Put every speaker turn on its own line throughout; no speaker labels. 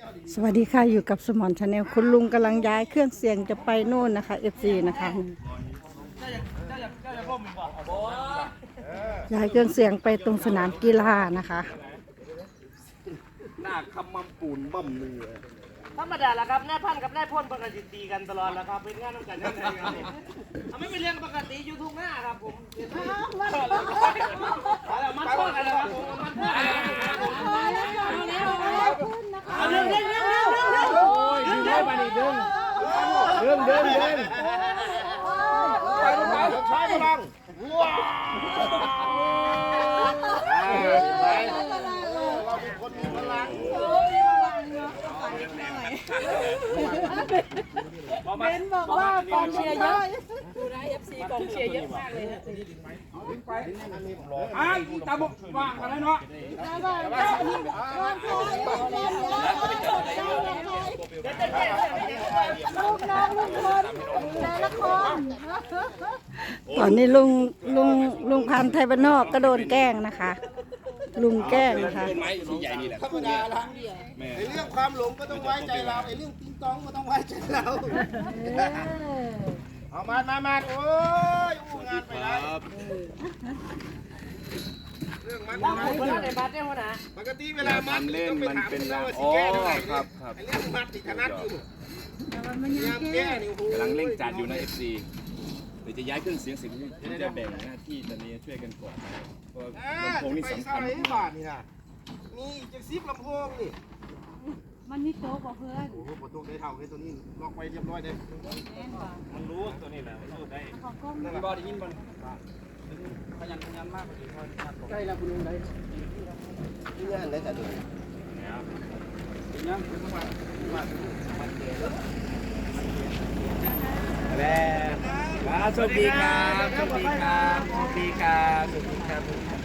สวัสดีค่ะอยู่กับสมอนชาแนลคุณลุงกำลังย้ายเครื่องเสียงจะไปโน่นนะคะ FC นะคะย้ายเครื่องเสียงไปตรงสนามกีฬานะคะ
หน้าคำมั่มปูนบ่มเนื้อ
ธรรมดาละครับนายพันกับนายพลปกติตีกันตลอดแล้วครับเป็นงานน้ำกันยังไงครับไม่เป็นเรื่องปกติอยู่ทุกหน้าครับผมมันพ่อกันแล้วครับผมมันพ่อกันแล้วเรื่องไปนี่เรื่อง
ไปใช้พลังว้าวเราเป็นคนมีพลัง
เบนบอกว่ากองเชียร์เยอะ
ดูนะ FC กองเชียร์เยอะมากเลยนะ
ตาบกว่างกันแล้วเนาะ
ตอนนี้ลุงพันธุ์ไทยบ้านนอกก็โดนแกล้งนะคะลุงแกล้งนะคะ
ต้นไม้ที่ใหญ่นี่แหละธรรมดาละไอ้เรื่องความหลงก็ต้องไว้ใจเราไอ้เรื่องติ๊งต้องก็ต้องไว้ใจเราเอามาโอ้ยอู้งานไปแล้วเรื่องมัน
ในบัตรเนี่ยหัวหน้า
ปกติเวลามัดต้องไปถามเราว่าสิแก้เท่าไหร่ไอ้เรื่องมัดติดถนัดอยู่ยามแก้นี่โอ้โห
กำลังเร่งจัดอยู่ใน FC เดี๋ยวจะย้ายเครื่องเสียงสิจะแบ่งหน้าที่ตอนนี้ช่วยกันก่อนเพราะลำโพงนี่สำคัญ
บาทนี่นะนี่จะซิปลำโพงนี่
มันนี่โต๊ะบอกเพื่อน
โอ้โหประตูได้เท่าเลยตัวนี้ล็อกไว้เรียบร้อยเลย
มันรู้ตัวนี้แหละมันรู้ได้บอได้ยินบอลขยันมากใกล้แล้วคุณลุงได้
ที่งานได้แต่เดือน
ยังคือทุกวัน
แล้วสวัสดีครับสวัสดีครับสวัสดีครับสวัสดีครับ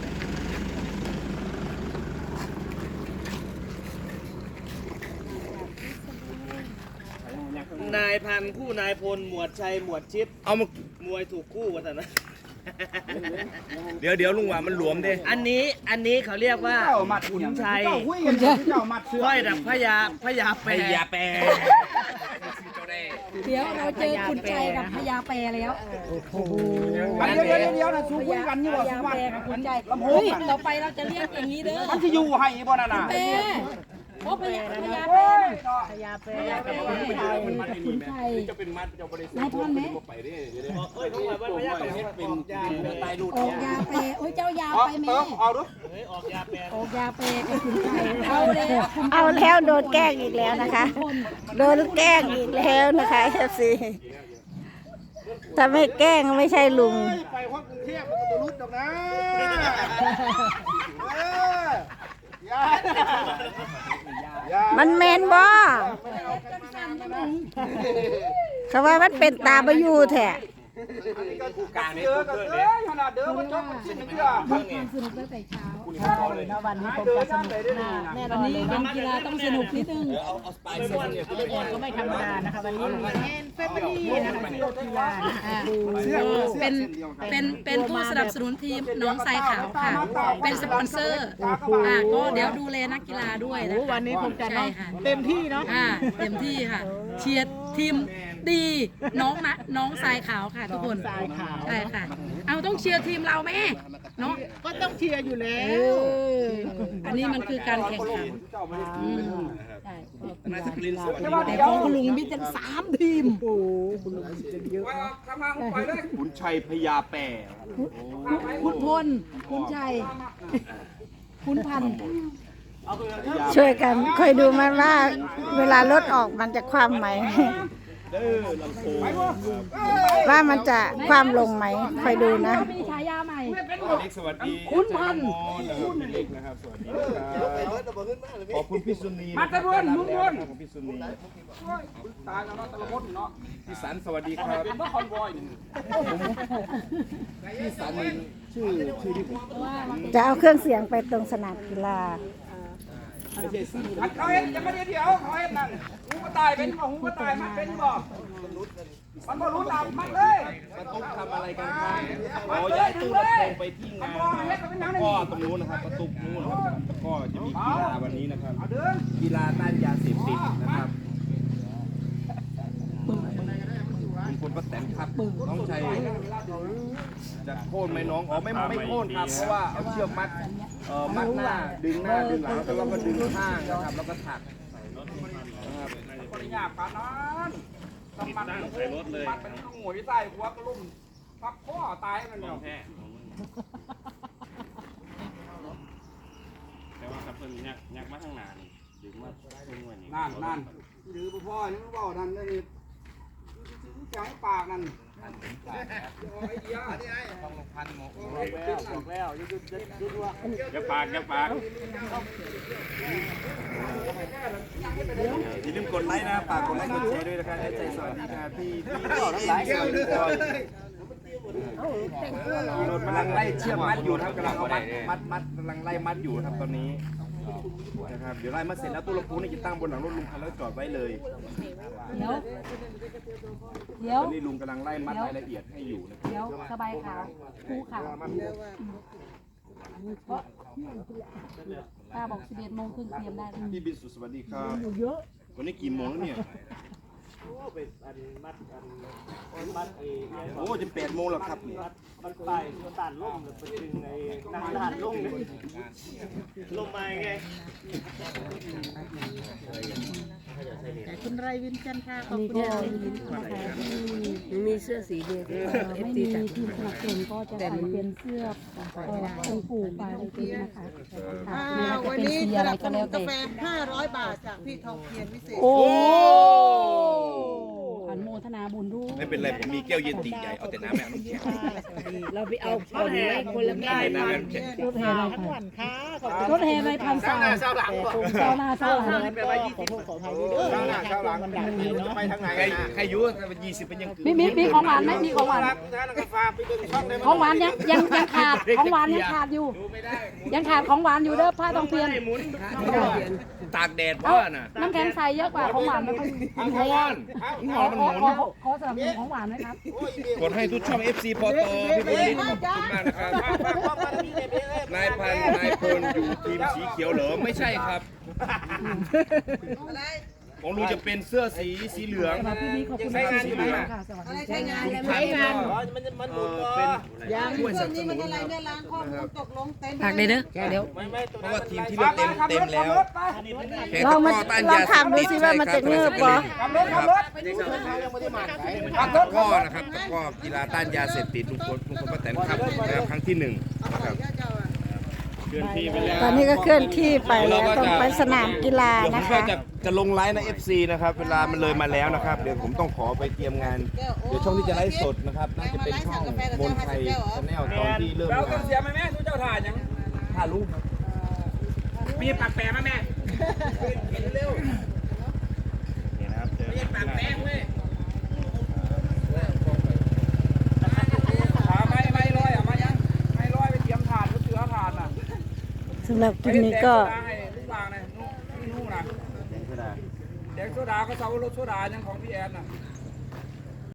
นายพันคู่นายพลหมวดชัยหมวดชิด
เอามาม
วยถูกคู่วะแต่นะ
เดี๋ยวลุงว่ามันหลวมดิ
อันนี้เขาเรียกว่าขุนชัยค่อยดับพญาแปร
เดี๋ยวเราเจอขุนชัยกับพญาแปรแล้ว
เดี๋ยวนะสู้กันนี่ว่า
พญาแปรกับขุนชัยเฮ้ยต่อไปเราจะเรียกอย่างนี้เด้อ
มันจะอยู่ให้บ่น่ะนะ
โอ้พญาแปรขุนชัย
จะเป็นมัดจะบริสุทธิ์
นายพันไหม
ไปได้
ต้องแบบว่าพญาแปรเป็นตายดูด
ออกยาแปรโอ้ยเจ้ายาไปแม่
เอาดู
ออกยาแปร
กับขุนชัยเอาแล้วโดนแกล้งอีกแล้วนะคะโดนแกล้งอีกแล้วนะคะFCถ้าไม่แกล้งไม่ใช่ลุง
ไปห้องกรุงเทพมันก็รุดดอกนะ
มันเมนบ่เขาว่ามันเป็นตาบอยู่แท้
เด้อกันเด้อขนาดเด้อมันจบมันสิ้นเดือน
สนุกตั้งแต่เช้าวันนี้ผมจะสนุกแน่นอนเลยวันกีฬาต้องสนุกนิดนึงก็ไม่ธรรมดานะคะวันนี้เฟมิลี่นะคะกีฬาเป็นผู้สนับสนุนทีมน้องทรายขาวค่ะเป็นสปอนเซอร์ก็เดี๋ยวดูแลนักกีฬาด้วยนะคะวันนี้ผมจะเต็มที่เนาะเต็มที่ค่ะเชียร์ทีมดีน้องทรายขาวค่ะทุกคนใช่ค่ะเอาต้องเชียร์ทีมเราไหมเนาะ
ก็ต้องเชียร์อยู่แล้ว
อันนี้มันคือการแข่งขันใช่แต่ของคุณลุงมีตั้ง3 ทีมโอ้คุณลุงมีเยอะ
ขุนชัยพญาแปร
คุณพลคุณชัยคุณพันช่วยกันค่อยดูมันว่าเวลารถออกมันจะคว่ำไหมว่ามันจะความลงไหมคอยดูนะมีฉายาใหม่
สวัสดี
คุณพัน
เล็กนะครับสวัสดีขอบคุณพี่สุนี
มาตะวันลุงวน
ขอบคุณพี่สุนี
ตายแล้วตะมดเนาะ
พี่สันสวัสดีครับ
เป็นว่าคอนวอย
พี่สันชื่อที่ผม
จะเอาเครื่องเสียงไปตรงสนามกีฬา
ไม่ใช่สี
เขาเห็นจะไม่ได้เดี๋ยวเขาเห็นนั่นหูก็ตายเป็นบ่หูก็ตายมันเป็นบ่มันบ่รู้ตามมันเลย
ประตูทำอะไรกันครับอ๋อย้ายตู้ลำโพงไปที่งานนะครับก็ตรงนู้นนะครับประตูนู้นนะครับก็จะมีกีฬาวันนี้นะครับกีฬาต้านยาเสพติดนะครับคุณพลป้าแตนครับน้องชัยจะโค่นไหมน้องอ๋อไม่โค่นครับเพราะว่าเอาเชือกมัดมัดหน้าดึงหลังแล้วก็ดึงข้างนะครับแล้วก็ถักนะครับ
คนหยาบกันนั้นทำมันใส่รถเลยมันเป็นต้องหวยใส่หัวกระลุ่มพับข้อตายมันแล้ว
แต่ว่าครับเพิ่นยักมาทางหน้านี่ดึงมาเพิ่นว่านี่
นั่นหรือพ่อยังไม่บอกนั่นนี่แข็งปากนั่นไอ้เดียต้องลงพันหมกแล้วยุด
อย่าปากอย่าปาก
อย่าลืมกดไลค์นะฝากกดไลค์กดแชร์ด้วยนะครับใจสวัสดีครับพี่ทั้งหลายสวัสดีครับกำลังไล่เชือกมัดอยู่ครับกำลังเอามัดกำลังไล่มัดอยู่ครับตอนนี้นะครับเดี๋ยวไล่มัดเสร็จแล้วตู้ลำโพงนี่จะตั้งบนหลังรถลุงคันแล้วจอดไว้เลย
เดี๋ยว
ตอนนี้ลุงกำลังไล่มัดรายละเอียดให้อยู่นะครับ
เดี๋ยวสบายขาวภูขาวเพราะป้าบอก11 โมงครึ่งเตรียมได้
พี่บินสุดสวัสดีครับวันนี้กี่โมงแล้วเนี่ยโอ้จะ8 โมงแล้วครับเนี่ย
มันไปมันตันล่มหรือไปดึงไอ้นางทานล่มเลยล่มมาไง
คุณไรวินจันทร์ค่ะขอบคุณนะคะ
มีเสื้อสีเดียว
ไม่มีทีมสนับสนุนก็จะใส่เป็นเสื้อองค์ปู่ปาริจิตนะคะวันนี้สนับสนุนกาแฟ500 บาทจากพี่ทองเพียรวิเศษโอ้อนุโมทนาบุญด้วย
ไม่เป็นไรผมมีแก้วเย็นตีใหญ่เอาแต่น้ำแม่น้ำแข็ง
เราไปเอาคนไว้คนละได้
น้ำแม่น้ำแข็ง
รถแห่ในรถแห่ในพันสาวเจ้าหน้าเจ้าหลัง
ไปทางไหน
ใครยุ่ง20เป็นยัง
มีของหวานไหมมีของหวานของหวานยังขาดของหวานยังขาดอยู่ยังขาดของหวานอยู่เด้อผ้าทองเพียร
ตากแดดเพราะน่ะ
น้ำแข็งใสเยอะกว่าของหวานไม่ค่อย
อิงฮอนมันหมุน
ขอสนับสนุนของหวานไหมครับ
กดให้ทุกช่อง FC พอตพี่บุญลินขอบคุณมากนะครับนายพันนายพลอยู่ทีมสีเขียวเหรอไม่ใช่ครับของลุงจะเป็นเสื้อสีเหลือง
พี่นี้ขอบคุณมากสีเหลืองค่ะสวัสดี
ใช้งานแล้วใช้งาน
เป็นช่วยสนับสนุน
ฝากเลยเด้อเดี๋ยว
เพราะว่าทีมที่เลือกเต็มแล้วแขก
เรามา
ต้าน
ลอง
ยาเสพ
ทำดู
ติด
สิว่ามันจะเงือบปะ
ตะก้อนะครับตะก้อกีฬาต้านยาเสพติดลุงพลป้าแตนครับนะครับครั้งที่1นะครับ
เคลื่อนที่ไปแล้ว
ตอนนี้ก็เคลื่อนที่ไปแล้วต้องไปสนามกีฬา
เดี๋ยวผ
นะ
มก็
คะ
จะลงไลฟ์ใน FC นะครับเวลามันเลยมาแล้วนะครับเดี๋ยวผมต้องขอไปเตรียมงานเดี๋ยวช่องที่จะไลฟ์สดนะครับน่าจะเป็นช่องมนไทยชาแนลตอนที่เริ่ม
เราต้
งา
อง
น
เสียไหมแม่ทุกเจ้าถ่ายยัง
ถ้ารู้
มีปากแปรไหมแม่
นี่นะครับเจอ
มีปากแปรเว้ยไม่ลอยอ่ะมายังไม่ลอยไปเตรียมถ่านก็เสือถ่านน่ะ
สำหรับคลิปนี้ก็
ลูกวางนะนู่นนะเด็กโซดาก็เซารถโซดายังของพี่แอนน่ะ